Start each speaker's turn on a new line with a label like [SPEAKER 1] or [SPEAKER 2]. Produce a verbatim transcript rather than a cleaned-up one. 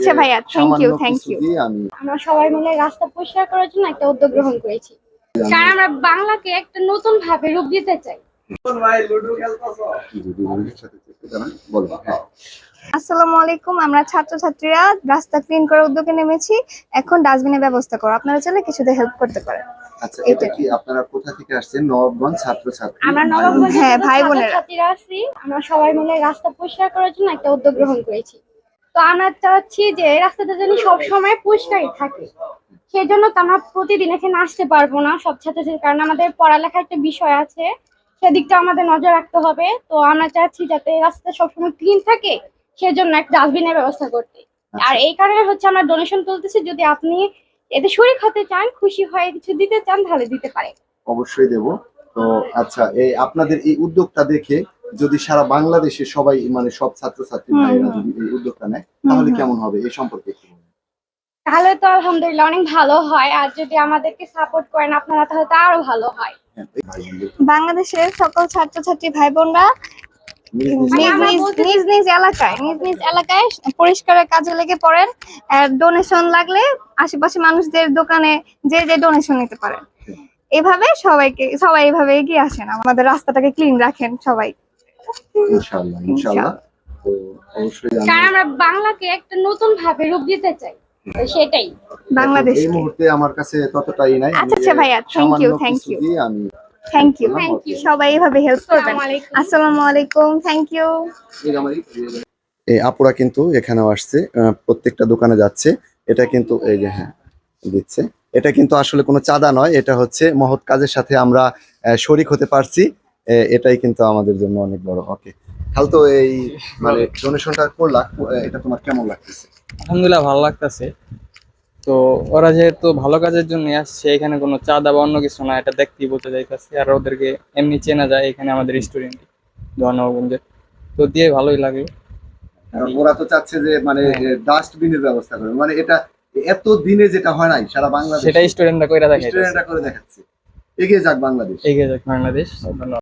[SPEAKER 1] আচ্ছা ভাইয়া, thank you thank you.
[SPEAKER 2] আমরা সবাই মিলে রাস্তা পরিষ্কার করার জন্য একটা উদ্যোগ গ্রহণ করেছি, কারণ আমরা বাংলাকে একটা নতুন ভাবে রূপ দিতে চাই।
[SPEAKER 1] আসসালামু আলাইকুম, আমরা ছাত্রছাত্রীরা রাস্তা ক্লিন করার উদ্যোগে নেমেছি। এখন ডাস্টবিনের ব্যবস্থা করো, আপনারা চাইলে কিছুতে হেল্প করতে পারেন।
[SPEAKER 3] আচ্ছা, এটা কি আপনারা কোথা থেকে আসছেন? নবাবগঞ্জ ছাত্রছাত্রী?
[SPEAKER 2] আমরা নবাবগঞ্জ
[SPEAKER 1] হ্যাঁ ভাই বোনেরা
[SPEAKER 2] ছাত্রছাত্রীরা আছি, আমরা সবাই মিলে রাস্তা পরিষ্কার করার জন্য একটা উদ্যোগ গ্রহণ করেছি। তো আমরা চাচ্ছি যে রাস্তাটা যেন সব সময় পরিষ্কারই থাকে, সেই জন্য তো আমরা প্রতিদিন এখানে আসতে পারবো না সব ছাত্রছাত্রীর, কারণ আমাদের পড়ালেখার একটা বিষয় আছে, সেদিকটা আমাদের নজর রাখতে হবে। তো আমরা চাচ্ছি যাতে রাস্তা সবসময় ক্লিন থাকে, সেজন্য একটা ডাস্টবিনের ব্যবস্থা করতে। আর এই কারণে হচ্ছে আমরা ডোনেশন তুলতেছি, যদি আপনি এতে শরীক হতে চান, খুশি হয়ে কিছু দিতে চান, তাহলে দিতে পারে।
[SPEAKER 3] অবশ্যই দেব। তো আচ্ছা, এই আপনাদের এই উদ্যোগটা দেখে যদি সারা বাংলাদেশে সবাই মানে সব ছাত্রছাত্রী ভাইয়েরা যদি এই উদ্যোগটা নেয়, তাহলে কেমন হবে এই সম্পর্কে একটু বলুন।
[SPEAKER 2] তাহলে তো আলহামদুলিল্লাহ অনেক ভালো হয়, আর যদি আমাদেরকে সাপোর্ট করেন আপনারা তাহলে তো আরো ভালো হয়।
[SPEAKER 1] বাংলাদেশের সকল ছাত্রছাত্রী ভাই বোনরা নিজ নিজ নিজ নিজ এলাকায় নিজ নিজ এলাকায় পরিষ্কারের কাজে লেগে পড়েন। ডোনেশন লাগলে আশেপাশে মানুষদের দোকানে যে যে ডোনেশন নিতে পারেন। এভাবে সবাইকে সবাই এভাবে এগিয়ে আসেন, আমাদের রাস্তাটাকে ক্লিন রাখেন সবাই।
[SPEAKER 3] ইনশাআল্লাহ ইনশাআল্লাহ। তো অবশ্যই
[SPEAKER 2] কারণ আমরা বাংলাকে একটা নতুন ভাবে রূপ দিতে চাই, সেটাই
[SPEAKER 1] বাংলাদেশ।
[SPEAKER 3] এই মুহূর্তে আমার কাছে ততটাই নাই।
[SPEAKER 1] আচ্ছা ভাইয়া, থ্যাংক ইউ থ্যাংক ইউ
[SPEAKER 3] আমি
[SPEAKER 1] থ্যাংক ইউ সবাই এভাবে হেল্প করবেন। আসসালামু আলাইকুম, থ্যাংক ইউ।
[SPEAKER 3] এই আপুরা কিন্তু এখানেও আসছে, প্রত্যেকটা দোকানে যাচ্ছে। এটা কিন্তু এই যে হ্যাঁ দিচ্ছে, এটা কিন্তু আসলে কোনো চাঁদা নয়, এটা হচ্ছে মহৎ কাজের সাথে আমরা শরিক হতে পারছি, এটাই কিন্তু আমাদের জন্য অনেক বড়। ওকে, তাহলে তো এই মানে ডোনেশনটা করলা, এটা তোমার কেমন লাগতেছে?
[SPEAKER 4] আলহামদুলিল্লাহ ভালো লাগতেছে। তো ওরা যেহেতু ভালো কাজের জন্য আসছে, এখানে কোনো চাঁদা বা অন্য কিছু না, এটা দেখতেই বলতে যাইতেছে। আর ওদেরকে এমনি চেনা যায়, এখানে আমাদের স্টুডেন্ট নবাবগঞ্জের, তো দিয়ে ভালোই লাগে।
[SPEAKER 3] ওরা তো চাচ্ছে যে মানে ডাস্টবিনের ব্যবস্থা করবে, মানে এটা এত দিনে যেটা হয় নাই সারা বাংলাদেশে,
[SPEAKER 4] সেটা স্টুডেন্টরা কইরা দেখাচ্ছে,
[SPEAKER 3] স্টুডেন্টরা করে দেখাচ্ছে। এগিয়ে যাক বাংলাদেশ,
[SPEAKER 4] এগিয়ে যাক বাংলাদেশ। ধন্যবাদ।